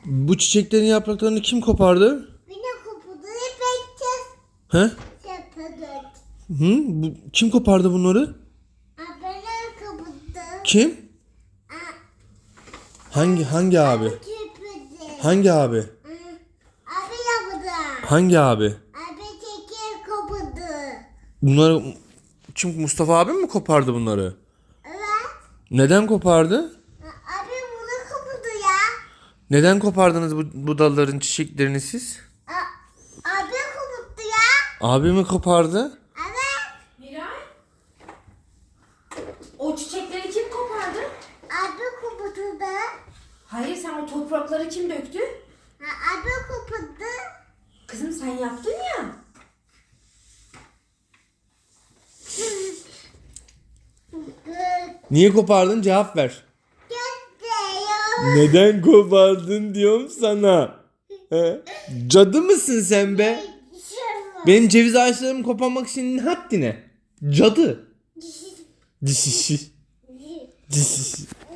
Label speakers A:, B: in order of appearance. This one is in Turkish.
A: Bu çiçeklerin yapraklarını kim kopardı?
B: Beni kopardı. Bekçiz.
A: He?
B: Yapılır.
A: Kim kopardı bunları?
B: Beni kopardı.
A: Kim? Hangi abi?
B: Köpürdü.
A: Hangi abi?
B: Abi yapıldı.
A: Hangi abi?
B: Abi çekil kopardı.
A: Bunları kim, Mustafa abim mi kopardı bunları?
B: Evet.
A: Neden kopardı?
B: Abi bunu kopardı ya.
A: Neden kopardınız bu dalların çiçeklerini siz?
B: Abi kopardı ya.
A: Abi mi kopardı?
B: Evet.
C: Miray, o çiçekleri kim kopardı?
B: Abi kopardı.
C: Hayır, sen o toprakları kim döktü?
B: Abi kopardı.
C: Kızım sen yaptın ya.
A: Niye kopardın? Cevap ver.
B: Gösteriyor.
A: Neden kopardın diyorum sana. He? Cadı mısın sen be? Benim ceviz ağaçlarımı koparmak için haddine. Cadı. Dişisi. Dişisi.